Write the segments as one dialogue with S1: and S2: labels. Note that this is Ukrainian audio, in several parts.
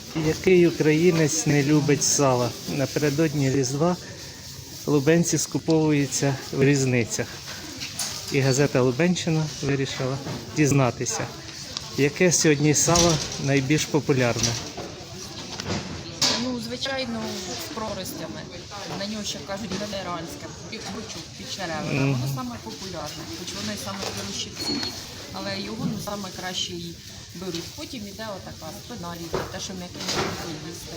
S1: Який українець не любить сала? Напередодні Різдва лубенці скуповуються в різницях. І газета «Лубенщина» вирішила дізнатися, яке сьогодні сало найбільш популярне.
S2: Ну, звичайно, з проростями. На нього ще кажуть генеральське, під черевина. Воно саме популярне, хоч воно і саме дорожче в ціні, але його саме краще і беруть. Потім іде отака спина рідна, те, що м'яке не їсти.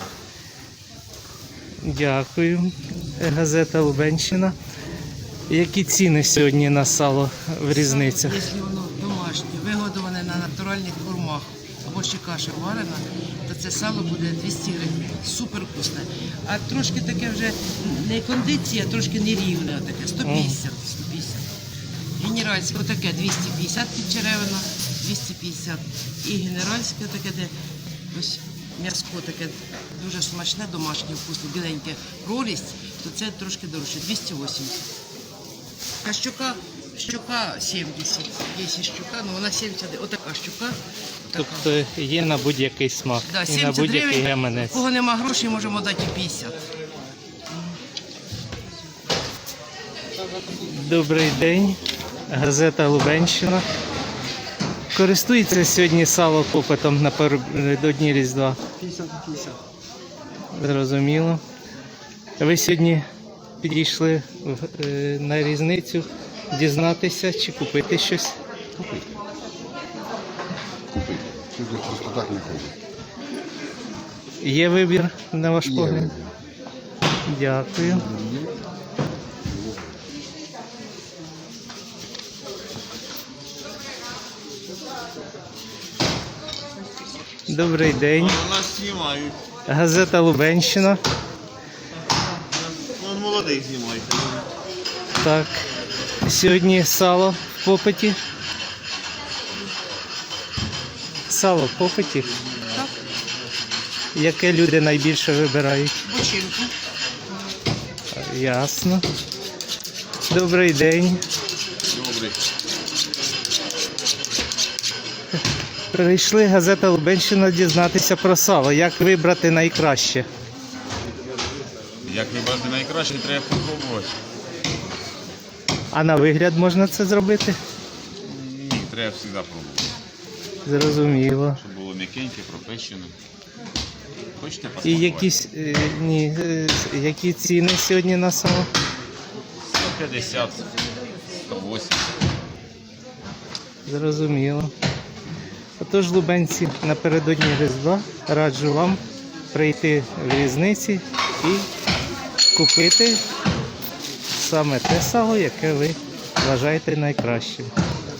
S1: Дякую. Газета «Лубенщина». Які ціни сьогодні на сало в різницях?
S3: Якщо воно домашнє, вигодоване на натуральних кормах, або ще каша варена, то це сало буде 200 гривень. Супер вкусне. А трошки таке вже не кондиція, а трошки нерівне таке. 150. Генеральське отаке 250 під черевина, 250. І генеральське таке, де ось м'яско таке дуже смачне, домашнє, вкусне, біленьке прорість, то це трошки дорожче, 280. А щука 70. Є щука, ну вона 70, отака щука.
S1: Тобто є на будь-який смак
S3: Да,
S1: і
S3: 70
S1: на будь-який
S3: гривень.
S1: гаманець.
S3: У кого нема грошей, можемо дати і 50.
S1: Добрий день. Газета «Лубенщина». Користується сьогодні сало попитом напередодні Різдва?
S4: 50-50.
S1: Зрозуміло. Ви сьогодні підійшли на різницю дізнатися чи купити щось?
S4: Купить. Сюди просто так не ходить.
S1: Є вибір, на ваш
S4: Є
S1: погляд?
S4: вибір.
S1: Дякую. Добрий день.
S5: Нас знімають.
S1: Газета «Лубенщина».
S5: Вон молодих знімають.
S1: Так. Сьогодні сало в попиті. Сало в попиті.
S3: Так.
S1: Яке люди найбільше вибирають?
S3: Бочинку.
S1: Ясно. Добрий день.
S5: Добрий.
S1: Прийшли газета «Лубенщина» дізнатися про сало. Як вибрати найкраще?
S5: Як вибрати найкраще, треба попробувати.
S1: А на вигляд можна це зробити?
S5: Ні, треба завжди пробувати.
S1: Зрозуміло.
S5: Щоб було м'якеньке, пропечене. Хочете
S1: І
S5: посмакувати?
S1: які ціни сьогодні на сало?
S5: 150, 180.
S1: Зрозуміло. Отож, лубенці, напередодні Різдва раджу вам прийти в різниці і купити саме те сало, яке ви вважаєте найкращим.